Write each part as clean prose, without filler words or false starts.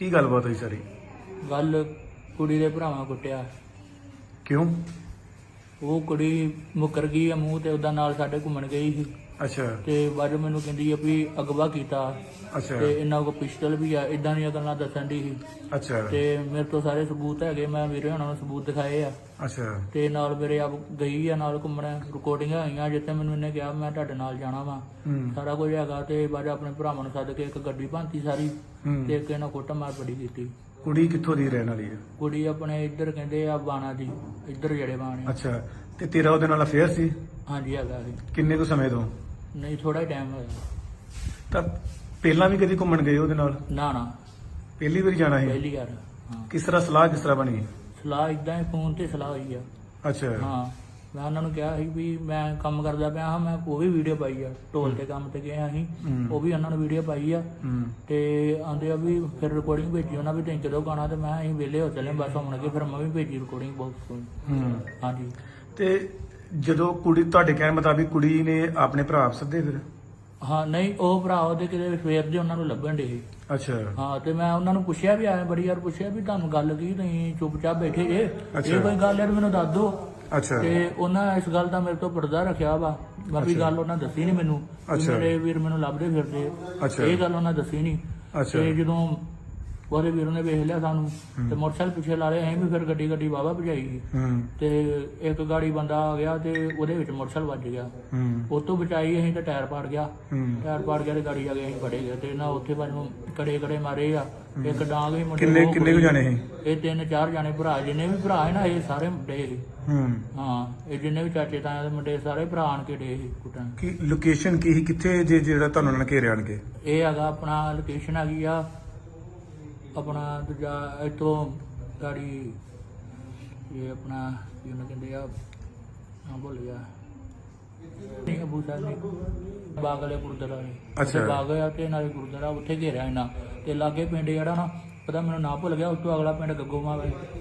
ਕੀ ਗੱਲਬਾਤ ਹੋਈ ਸਾਰੀ? ਗੱਲ ਕੁੜੀ ਦੇ ਭਰਾਵਾਂ ਕੁੱਟਿਆ। ਕਿਉਂ? ਉਹ ਕੁੜੀ ਮੁੱਕਰ ਗਈ ਆ ਮੂੰਹ ਤੇ ਉਹਦਾ ਨਾਲ ਸਾਡੇ ਘੁੰਮਣ ਗਈ ਸੀ ਅੱਛਾ ਤੇ ਬਾਅਦ ਮੈਨੂੰ ਕਹਿੰਦੀ ਆ ਵੀ ਅਗਵਾ ਕੀਤਾ ਅੱਛਾ ਤੇ ਇਹਨਾਂ ਕੋਲ ਪਿਸਟਲ ਵੀ ਆ, ਇਦਾਂ ਦੀਆਂ ਗੱਲਾਂ ਦੱਸਣ ਦੀ ਸੀ। ਅੱਛਾ ਤੇ ਮੇਰੇ ਤੋਂ ਸਾਰੇ ਸਬੂਤ ਹੈਗੇ, ਮੈਂ ਵੀਰੇ ਹੁਣਾਂ ਨੂੰ ਸਬੂਤ ਦਿਖਾਏ ਆ। ਅੱਛਾ ਤੇ ਨਾਲ ਮੇਰੇ ਆਪ ਗਈ ਆ ਨਾਲ ਘੁੰਮਣ, ਰਿਕਾਰਡਿੰਗਾਂ ਹੋਈਆਂ ਜਿੱਥੇ ਮੈਨੂੰ ਇਹਨੇ ਕਿਹਾ ਮੈਂ ਤੁਹਾਡੇ ਨਾਲ ਜਾਣਾ ਵਾ, ਸਾਰਾ ਕੁਝ ਹੈਗਾ। ਤੇ ਬਾਅਦ ਆਪਣੇ ਭਰਾਵਾਂ ਨੂੰ ਸੱਦ ਕੇ ਇੱਕ ਗੱਡੀ ਭਾਂਤੀ ਸਾਰੀ ਤੇ ਇੱਕ ਇਹਨਾਂ ਕੁੱਟ ਮਾਰ ਬੜੀ ਕੀਤੀ। ਕੁੜੀ ਕਿੱਥੋਂ ਦੀ ਰਹਿਣ ਵਾਲੀ ਹੈ? ਕੁੜੀ ਆਪਣੇ ਇੱਧਰ ਕਹਿੰਦੇ ਆ ਬਾਣਾ ਦੀ, ਇੱਧਰ ਜਿਹੜੇ ਬਾਣੇ। ਅੱਛਾ, ਤੇ ਤੇਰਾ ਉਹਦੇ ਨਾਲ ਅਫੇਅਰ ਸੀ? ਹਾਂਜੀ ਹੈਗਾ ਸੀ। ਕਿੰਨੇ ਕੁ ਸਮੇਂ ਤੋਂ? ਨਹੀਂ ਥੋੜਾ ਹੀ ਟਾਈਮ ਹੋਇਆ। ਤਾਂ ਪਹਿਲਾਂ ਵੀ ਕਦੀ ਘੁੰਮਣ ਗਏ ਉਹਦੇ ਨਾਲ? ਨਾ ਪਹਿਲੀ ਵਾਰੀ ਜਾਣਾ ਸੀ? ਪਹਿਲੀ ਵਾਰ। ਹਾਂ ਕਿਸ ਤਰ੍ਹਾਂ ਸਲਾਹ ਕਿਸ ਤਰ੍ਹਾਂ ਬਣੀ? ਸਲਾਹ ਇਦਾਂ ਹੀ ਫੋਨ ਤੇ ਸਲਾਹ ਹੋਈ ਆ। ਅੱਛਾ ਹਾਂ ਮੈਂ ਉਹਨਾਂ ਨੂੰ ਕਿਹਾ ਸੀ ਵੀ ਮੈਂ ਕੰਮ ਕਰਦਾ ਪਿਆ ਹਾਂ, ਮੈਂ ਉਹ ਵੀ ਵੀਡੀਓ ਪਾਈ ਆ, ਢੋਲ ਤੇ ਕੰਮ ਤੇ ਗਏ ਹਾਂ ਅਸੀਂ, ਉਹ ਵੀ ਉਹਨਾਂ ਨੂੰ ਵੀਡੀਓ ਪਾਈ ਆ। ਤੇ ਆਂਦੇ ਆ ਵੀ ਫਿਰ ਰਿਕਾਰਡਿੰਗ ਭੇਜੀ ਉਹਨਾਂ ਵੀ, 3 ਗਾਣਾ ਤੇ ਮੈਂ ਅਸੀਂ ਵਿਹਲੇ ਹੋ ਚੱਲੇ ਬਸ ਹੁਣ ਕੇ, ਫਿਰ ਮੈਂ ਵੀ ਭੇਜੀ ਰਿਕਾਰਡਿੰਗ ਬਹੁਤ। ਹਾਂਜੀ ਤੇ ਜਦੋਂ ਕੁੜੀ ਤੁਹਾਡੇ ਕਹਿਣ ਮੁਤਾਬਿਕ ਕੁੜੀ ਨੇ ਆਪਣੇ ਭਰਾ ਸੱਦੇ ਫਿਰ? ਹਾਂ ਨਹੀਂ ਉਹ ਭਰਾ ਉਹਦੇ ਕਿਤੇ ਸਵੇਰ ਦੇ ਉਹਨਾਂ ਨੂੰ ਲੱਭਣ ਡੇ ਸੀ। ਅੱਛਾ ਹਾਂ ਤੇ ਮੈਂ ਉਹਨਾਂ ਨੂੰ ਪੁੱਛਿਆ ਵੀ ਆਇਆ ਬੜੀ ਵਾਰ ਪੁੱਛਿਆ ਵੀ ਤੁਹਾਨੂੰ ਗੱਲ ਕੀ, ਤੁਸੀਂ ਚੁੱਪਚਾਪ ਬੈਠੇ ਜੇ, ਇਹ ਕੋਈ ਗੱਲ ਹੈ ਮੈਨੂੰ ਦੱਸ ਦਿਓ। ਅੱਛਾ ਤੇ ਉਹਨਾਂ ਇਸ ਗੱਲ ਦਾ ਮੇਰੇ ਤੋਂ ਪਰਦਾ ਰੱਖਿਆ ਵਾ, ਬਾਕੀ ਗੱਲ ਉਹਨਾਂ ਦੱਸੀ ਨਹੀਂ ਮੈਨੂੰ। ਮੇਰੇ ਵੀਰ ਮੈਨੂੰ ਲੱਭਦੇ ਫਿਰਦੇ, ਇਹ ਗੱਲ ਉਹਨਾਂ ਦੱਸੀ ਨਹੀਂ। ਤੇ ਜਦੋਂ ਉਹਦੇ ਵੀਰ ਨੇ ਵੇਖ ਲਿਆ ਸਾਨੂੰ ਤੇ ਮੋਟਰਸਾਈਕਲ ਪਿੱਛੇ ਲਾ ਲਿਆ, ਅਸੀਂ ਵੀ ਫਿਰ ਗੱਡੀ ਵਾਹਵਾ ਭਜਾਈ ਗਈ। ਤੇ ਇੱਕ ਗਾੜੀ ਬੰਦਾ ਆ ਗਿਆ ਤੇ ਉਹਦੇ ਵਿੱਚ ਮੋਟਰਸਾਈਕਲ ਵੱਜ ਗਿਆ, ਉਹ ਤੋਂ ਬਚਾਈ ਅਸੀਂ ਤੇ ਟਾਇਰ ਪਾੜ ਗਿਆ। ਤੇ ਗਾੜੀ ਆ ਗਈ, ਅਸੀਂ ਫੜੇ ਗਏ ਤੇ ਨਾ ਉੱਥੇ ਮੈਨੂੰ ਕੜੇ ਮਾਰੇ ਆ, ਇੱਕ ਡਾਂਗ ਵੀ ਮੁੰਡੇ। ਕਿੰਨੇ ਕੁ ਜਾਣੇ ਸੀ ਇਹ 3-4 ਜਾਣੇ ਭਰਾ, ਜਿੰਨੇ ਵੀ ਭਰਾ ਹੈ ਨਾ ਇਹ ਸਾਰੇ ਮੁੰਡੇ ਸੀ। ਹਾਂ ਇਹ ਜਿੰਨੇ ਵੀ ਚਾਚੇ ਤਾਇਆ ਦੇ ਮੁੰਡੇ ਸਾਰੇ ਭਰਾ ਆਣ ਕੇ ਡੇ ਸੀ ਕੁੱਟਣ। ਕੀ ਲੋਕੇਸ਼ਨ ਕੀ ਸੀ, ਕਿੱਥੇ ਜੇ ਜਿਹੜਾ ਤੁਹਾਨੂੰ ਉਹਨਾਂ ਨੇ ਘੇਰਿਆ ਆਣ ਕੇ? ਇਹ ਹੈਗਾ ਆਪਣਾ ਲੋਕੇਸ਼ਨ ਹੈਗੀ ਆ ਆਪਣਾ ਦੂਜਾ ਇੱਥੋਂ ਗਾੜੀ, ਇਹ ਆਪਣਾ ਕੀ ਉਹਨੂੰ ਕਹਿੰਦੇ ਆ, ਹਾਂ ਭੁੱਲ ਗਿਆ, ਨਹੀਂ ਅਬੂ ਸਾਹਿਬ ਨੇ ਬਾਗ ਵਾਲੇ ਗੁਰਦੁਆਰਾ ਨੇ। ਅੱਛਾ ਬਾਗ ਆ ਤੇ ਨਾਲੇ ਗੁਰਦੁਆਰਾ, ਉੱਥੇ ਘੇਰਿਆ ਇਹਨਾਂ ਤੇ ਲਾਗੇ ਪਿੰਡ ਜਿਹੜਾ ਨਾ ਪਤਾ ਮੈਨੂੰ ਨਾ ਭੁੱਲ ਗਿਆ, ਉਸ ਤੋਂ ਅਗਲਾ ਪਿੰਡ ਗੱਗੋਮਾਲ।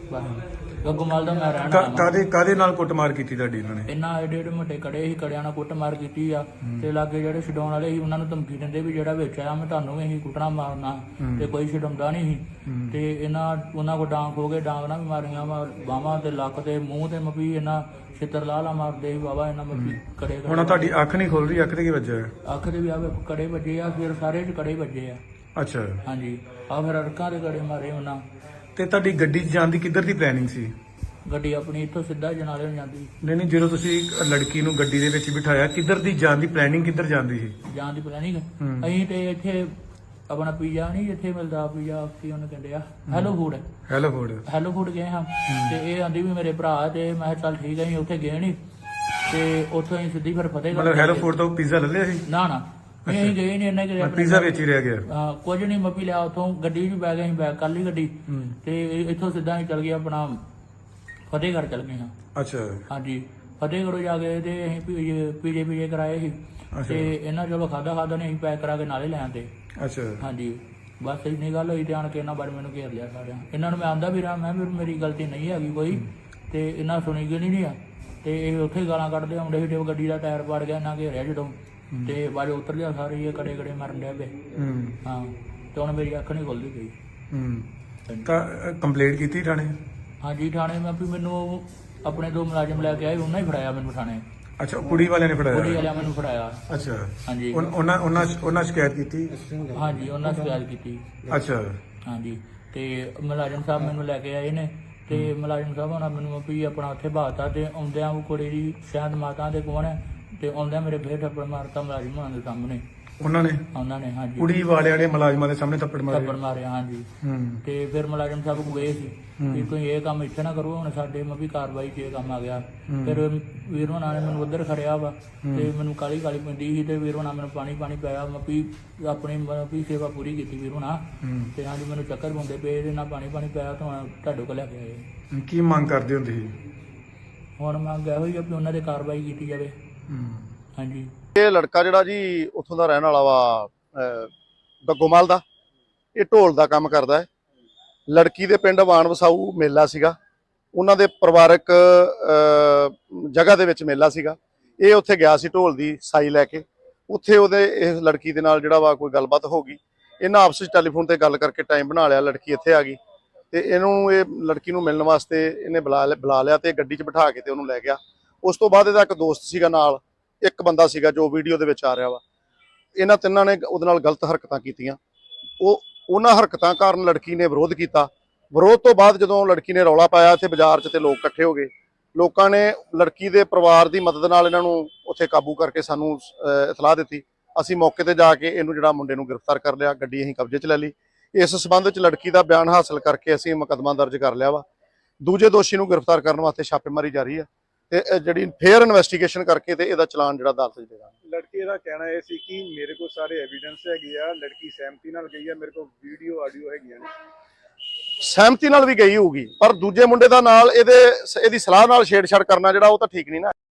ਗੱਗੋਮਾਲ ਦਾ ਮੈਂ ਰਹਿਣਾ। ਕਾਦੇ ਨਾਲ ਕੁੱਟਮਾਰ ਕੀਤੀ ਤੁਹਾਡੀ ਇਹਨਾਂ ਨੇ? ਇਹਨਾਂ ਏਡੇ ਮੋਟੇ ਕੜੇ ਸੀ, ਕੜਿਆਂ ਨਾਲ ਕੁੱਟਮਾਰ ਕੀਤੀ ਆ। ਤੇ ਲਾਗੇ ਜਿਹੜੇ ਛਡਾਉਣ ਵਾਲੇ ਸੀ ਉਹਨਾਂ ਨੂੰ ਧਮਕੀ ਦਿੰਦੇ ਵੀ ਜਿਹੜਾ ਵਿੱਚ ਆਇਆ ਮੈਂ ਤੁਹਾਨੂੰ ਵੀ ਅਸੀਂ ਕੁੱਟਣਾ ਮਾਰਨਾ, ਤੇ ਕੋਈ ਛਡਾਉਂਦਾ ਨਹੀਂ ਸੀ। ਤੇ ਉਹਨਾਂ ਕੋ ਡਾਂਗ ਹੋ ਗਏ, ਡਾਂਗ ਨਾਲ ਵੀ ਮਾਰੀਆਂ ਵਾ ਬਾਹਾਂ ਤੇ ਲੱਕ ਤੇ ਮੂੰਹ ਤੇ ਮਪੀ, ਇਹਨਾਂ ਛਿੱਤਰ ਲਾ ਮਾਰਦੇ ਸੀ ਬਾਬਾ ਇਹਨਾਂ ਮਪੀ ਕੜੇ। ਹੁਣ ਤੁਹਾਡੀ ਅੱਖ ਨਹੀਂ ਖੁੱਲ ਰਹੀ, ਅੱਖ ਤੇ ਕੀ ਵੱਜਿਆ? ਅੱਖ ਦੇ ਵੀ ਆਵੇ ਕੜੇ ਵੱਜੇ ਆ, ਫਿਰ ਸਾਰੇ ਚ ਕੜੇ ਵੱਜੇ ਆ। ਅੱਛਾ ਹਾਂਜੀ ਆ ਫਿਰ ਅੜਕਾਂ ਦੇ ਕੜੇ ਮਾਰੇ ਉਹਨਾਂ। ਤੇ ਤੁਹਾਡੀ ਗੱਡੀ 'ਚ ਜਾਣ ਦੀ ਕਿੱਧਰ ਦੀ ਪਲੈਨਿੰਗ ਸੀ? ਗੱਡੀ ਆਪਣੀ ਇੱਥੋਂ ਸਿੱਧਾ ਜਨਾਲੇ ਨੂੰ ਜਾਂਦੀ। ਨਹੀਂ ਜਦੋਂ ਤੁਸੀਂ ਲੜਕੀ ਨੂੰ ਗੱਡੀ ਦੇ ਵਿੱਚ ਬਿਠਾਇਆ, ਕਿੱਧਰ ਦੀ ਜਾਣ ਦੀ ਪਲੈਨਿੰਗ, ਕਿੱਧਰ ਜਾਂਦੀ ਸੀ ਜਾਣ ਦੀ ਪਲੈਨਿੰਗ? ਅਸੀਂ ਤੇ ਇੱਥੇ ਆਪਣਾ ਪੀਜ਼ਾ ਨਹੀਂ ਜਿੱਥੇ ਮਿਲਦਾ ਪੀਜ਼ਾ, ਕੀ ਉਹਨੂੰ ਕਹਿੰਦੇ ਆ, ਹੈਲੋ ਫੂਡ ਗਏ ਹਾਂ। ਤੇ ਇਹ ਆਂਦੀ ਵੀ ਮੇਰੇ ਭਰਾ, ਤੇ ਮੈਂ ਚੱਲ ਠੀਕ ਹੈ, ਅਸੀਂ ਉੱਥੇ ਗਏ ਨਹੀਂ। ਤੇ ਉੱਥੋਂ ਅਸੀਂ ਸਿੱਧੀ ਫਿਰ ਫਤਿਹਗੜ੍ਹ। ਹੈਲੋ ਫੂਡ ਤੋਂ ਪੀਜ਼ਾ ਲੈ ਲਿਆ ਸੀ? ਨਾ ਅਸੀਂ ਗਏ ਨਹੀਂ, ਇਹਨਾਂ ਕਿ ਪੀਜ਼ਾ ਵਿੱਚ ਹੀ ਰਹਿ ਗਿਆ? ਹਾਂ ਕੁਝ ਨਹੀਂ, ਮੱਪੀ ਲਿਆ ਉੱਥੋਂ, ਗੱਡੀ ਵੀ ਬੈ ਗਏ, ਅਸੀਂ ਬੈਕ ਕਰ ਲਈ ਗੱਡੀ। ਤੇ ਇੱਥੋਂ ਸਿੱਧਾ ਅਸੀਂ ਚੱਲ ਗਏ ਆਪਣਾ ਫਤਿਹਗੜ੍ਹ ਚੱਲ ਗਏ ਹਾਂ। ਅੱਛਾ ਹਾਂਜੀ, ਫਤਿਹਗੜ੍ਹ ਜਾ ਕੇ ਤੇ ਅਸੀਂ ਪੀਜੇ ਕਰਾਏ ਸੀ। ਤੇ ਇਹਨਾਂ ਚਲੋ ਖਾਦਾ ਨੇ ਅਸੀਂ ਪੈਕ ਕਰਾ ਕੇ ਨਾਲੇ ਲੈ ਆਂਦੇ। ਅੱਛਾ ਹਾਂਜੀ ਬਸ ਇੰਨੀ ਗੱਲ ਹੋਈ ਤੇ ਆਣ ਕੇ ਇਹਨਾਂ ਬਾਰੇ ਮੈਨੂੰ ਘੇਰ ਲਿਆ ਸਾਰਿਆਂ। ਇਹਨਾਂ ਨੂੰ ਮੈਂ ਆਂਦਾ ਵੀ ਰਹਾ, ਮੈਂ ਵੀ ਮੇਰੀ ਗਲਤੀ ਨਹੀਂ ਹੈਗੀ ਕੋਈ, ਤੇ ਇਹਨਾਂ ਸੁਣੀ ਗਈ ਨਹੀਂ ਆ। ਤੇ ਇਹ ਉੱਥੇ ਗਾਲਾਂ ਕੱਢਦੇ ਆਉਂਦੇ ਸੀ, ਤੇ ਗੱਡੀ ਦਾ ਟਾਇਰ ਪਾੜ ਗਿਆ, ਇਹਨਾਂ ਘੇਰਿਆ ਜਦੋਂ, ਤੇ ਬਾਅਦ ਉਤਰ ਲਿਆ ਸਾਰੇ, ਇਹ ਕੜੇ ਮਾਰਨ ਡਿਆ ਪਏ। ਹਾਂ ਤੇ ਹੁਣ ਮੇਰੀ ਅੱਖ ਨਹੀਂ ਖੁੱਲਦੀ ਪਈ। ਤਾਂ ਕੰਪਲੇਂਟ ਕੀਤੀ ਥਾਣੇ? ਹਾਂਜੀ ਥਾਣੇ ਮੈਂ ਵੀ ਮੈਨੂੰ ਆਪਣੇ 2 ਮੁਲਾਜ਼ਮ ਲੈ ਕੇ ਆਏ, ਉਹਨਾਂ ਹੀ ਫੜਾਇਆ ਮੈਨੂੰ ਥਾਣੇ। ਅੱਛਾ ਕੁੜੀ ਵਾਲਿਆਂ ਨੇ ਫੜਾਇਆ? ਕੁੜੀ ਵਾਲਿਆਂ ਮੈਨੂੰ ਫੜਾਇਆ। ਅੱਛਾ ਹਾਂਜੀ ਉਹਨਾਂ ਸ਼ਿਕਾਇਤ ਕੀਤੀ? ਹਾਂਜੀ ਉਹਨਾਂ ਸ਼ਿਕਾਇਤ ਕੀਤੀ। ਅੱਛਾ ਹਾਂਜੀ ਤੇ ਮੁਲਾਜ਼ਮ ਸਾਹਿਬ ਮੈਨੂੰ ਲੈ ਕੇ ਆਏ ਨੇ, ਤੇ ਮੁਲਾਜ਼ਮ ਸਾਹਿਬ ਉਹਨਾਂ ਮੈਨੂੰ ਵੀ ਆਪਣਾ ਉੱਥੇ ਬਾਤਾ, ਤੇ ਆਉਂਦਿਆਂ ਉਹ ਕੁੜੀ ਦੀ ਸ਼ਾਇਦ ਮਾਤਾ ਦੇ ਕੋਲ ਹੈ, ਤੇ ਆਉਂਦਿਆਂ ਮੇਰੇ ਫੇਰ ਥੱਪੜ ਮਾਰਤਾ ਮੁਲਾਜ਼ਮ ਹੋਣਾ ਦੇ ਸਾਹਮਣੇ। ਉਹਨਾਂ ਨੇ ਹਾਂਜੀ ਕੁੜੀ ਵਾਲਿਆਂ ਨੇ ਮੁਲਾਜ਼ਮਾਂ ਦੇ ਸਾਹਮਣੇ ਥੱਪੜ ਮਾਰਿਆ। ਹਾਂਜੀ ਤੇ ਫਿਰ ਮੁਲਾਜ਼ਮ ਸਾਹਿਬ ਕੋਲ ਗਏ ਸੀ ਵੀ ਤੁਸੀਂ ਇਹ ਕੰਮ ਇੱਥੇ ਨਾ ਕਰੋ, ਹੁਣ ਸਾਡੇ ਮੈਂ ਵੀ ਕਾਰਵਾਈ 'ਚ ਇਹ ਕੰਮ ਆ ਗਿਆ। ਫਿਰ ਵੀਰ ਹੋਣਾ ਨੇ ਮੈਨੂੰ ਉੱਧਰ ਖੜਿਆ ਵਾ, ਤੇ ਮੈਨੂੰ ਕਾਲੀ ਪੈਂਦੀ ਸੀ, ਤੇ ਵੀਰ ਹੋਣਾ ਮੈਨੂੰ ਪਾਣੀ ਪਿਆਇਆ, ਮੈਂ ਵੀ ਆਪਣੀ ਸੇਵਾ ਪੂਰੀ ਕੀਤੀ ਵੀਰ ਹੋਣਾ। ਤੇ ਹਾਂਜੀ ਮੈਨੂੰ ਚੱਕਰ ਪਾਉਂਦੇ ਪਏ, ਇਹਦੇ ਨਾਲ ਪਾਣੀ ਪਿਆਇਆ ਤਾਂ ਤੁਹਾਡੇ ਕੋਲ ਲੈ ਕੇ ਆਏ। ਕੀ ਮੰਗ ਕਰਦੇ ਹੁੰਦੇ ਸੀ? ਹੁਣ ਮੰਗ ਇਹੋ ਹੀ ਆ ਵੀ ਉਹਨਾਂ ਦੇ ਕਾਰਵਾਈ ਕੀਤੀ ਜਾਵੇ। ਹਾਂਜੀ ਇਹ ਲੜਕਾ ਜਿਹੜਾ ਜੀ ਉੱਥੋਂ ਦਾ ਰਹਿਣ ਵਾਲਾ ਵਾ, ਗੱਗੋਮਾਲ ਦਾ, ਇਹ ਢੋਲ ਦਾ ਕੰਮ ਕਰਦਾ ਹੈ। ਲੜਕੀ ਦੇ ਪਿੰਡ ਵਾਣ ਵਸਾਊ ਮੇਲਾ ਸੀਗਾ, ਉਹਨਾਂ ਦੇ ਪਰਿਵਾਰਕ ਜਗ੍ਹਾ ਦੇ ਵਿੱਚ ਮੇਲਾ ਸੀਗਾ। ਇਹ ਉੱਥੇ ਗਿਆ ਸੀ ਢੋਲ ਦੀ ਸਾਈ ਲੈ ਕੇ, ਉੱਥੇ ਉਹਦੇ ਇਸ ਲੜਕੀ ਦੇ ਨਾਲ ਜਿਹੜਾ ਵਾ ਕੋਈ ਗੱਲਬਾਤ ਹੋ ਗਈ। ਇਹਨਾਂ ਆਪਸ ਵਿੱਚ ਟੈਲੀਫੋਨ ਤੇ ਗੱਲ ਕਰਕੇ ਟਾਈਮ ਬਣਾ ਲਿਆ, ਲੜਕੀ ਇੱਥੇ ਆ ਗਈ ਤੇ ਇਹ ਲੜਕੀ ਨੂੰ ਮਿਲਣ ਵਾਸਤੇ ਇਹਨੇ ਬੁਲਾ ਲਿਆ ਤੇ ਗੱਡੀ 'ਚ ਬਿਠਾ ਕੇ ਤੇ ਉਹਨੂੰ ਲੈ ਗਿਆ। ਉਸ ਤੋਂ ਬਾਅਦ ਇਹਦਾ ਇੱਕ ਦੋਸਤ ਸੀਗਾ ਨਾਲ, ਇੱਕ ਬੰਦਾ ਸੀਗਾ ਜੋ ਵੀਡੀਓ ਦੇ ਵਿੱਚ ਆ ਰਿਹਾ ਵਾ। ਇਹਨਾਂ ਤਿੰਨਾਂ ਨੇ ਉਹਦੇ ਨਾਲ ਗਲਤ ਹਰਕਤਾਂ ਕੀਤੀਆਂ। ਉਹਨਾਂ ਹਰਕਤਾਂ ਕਾਰਨ ਲੜਕੀ ਨੇ ਵਿਰੋਧ ਕੀਤਾ। ਵਿਰੋਧ ਤੋਂ ਬਾਅਦ ਜਦੋਂ ਲੜਕੀ ਨੇ ਰੌਲਾ ਪਾਇਆ ਇੱਥੇ ਬਾਜ਼ਾਰ 'ਚ ਤੇ ਲੋਕ ਇਕੱਠੇ ਹੋ ਗਏ। ਲੋਕਾਂ ਨੇ ਲੜਕੀ ਦੇ ਪਰਿਵਾਰ ਦੀ ਮਦਦ ਨਾਲ ਇਹਨਾਂ ਨੂੰ ਉੱਥੇ ਕਾਬੂ ਕਰਕੇ ਸਾਨੂੰ ਇਤਲਾਹ ਦਿੱਤੀ। ਅਸੀਂ ਮੌਕੇ ਤੇ ਜਾ ਕੇ ਇਹਨੂੰ ਜਿਹੜਾ ਮੁੰਡੇ ਨੂੰ ਗ੍ਰਿਫਤਾਰ ਕਰ ਲਿਆ, ਗੱਡੀ ਅਸੀਂ ਕਬਜ਼ੇ 'ਚ ਲੈ ਲਈ। ਇਸ ਸਬੰਧ ਵਿੱਚ ਲੜਕੀ ਦਾ ਬਿਆਨ ਹਾਸਲ ਕਰਕੇ ਅਸੀਂ ਮੁਕੱਦਮਾ ਦਰਜ ਕਰ ਲਿਆ ਵਾ। ਦੂਜੇ ਦੋਸ਼ੀ ਨੂੰ ਗ੍ਰਿਫਤਾਰ ਕਰਨ ਵਾਸਤੇ ਛਾਪੇਮਾਰੀ ਜਾਰੀ ਹੈ ਤੇ ਜਿਹੜੀ ਫੇਅਰ ਇਨਵੈਸਟੀਗੇਸ਼ਨ ਕਰਕੇ ਤੇ ਇਹਦਾ ਚਲਾਨ ਜਿਹੜਾ ਅਦਾਲਤ 'ਚ ਦੇਗਾ। ਲੜਕੀ ਦਾ ਕਹਿਣਾ ਇਹ ਸੀ ਕਿ ਮੇਰੇ ਕੋਲ ਸਾਰੇ ਐਵੀਡੈਂਸ ਹੈਗੇ ਆ, ਲੜਕੀ ਸਹਿਮਤੀ ਨਾਲ ਗਈ ਆ, ਮੇਰੇ ਕੋਲ ਵੀਡੀਓ ਆਡੀਓ ਹੈਗੀਆਂ ਨੇ। ਸਹਿਮਤੀ ਨਾਲ ਵੀ ਗਈ ਹੋਊਗੀ, ਪਰ ਦੂਜੇ ਮੁੰਡੇ ਦਾ ਨਾਲ ਇਹਦੀ ਸਲਾਹ ਨਾਲ ਛੇੜਛਾੜ ਕਰਨਾ ਜਿਹੜਾ ਉਹ ਤਾਂ ਠੀਕ ਨਹੀਂ ਨਾ।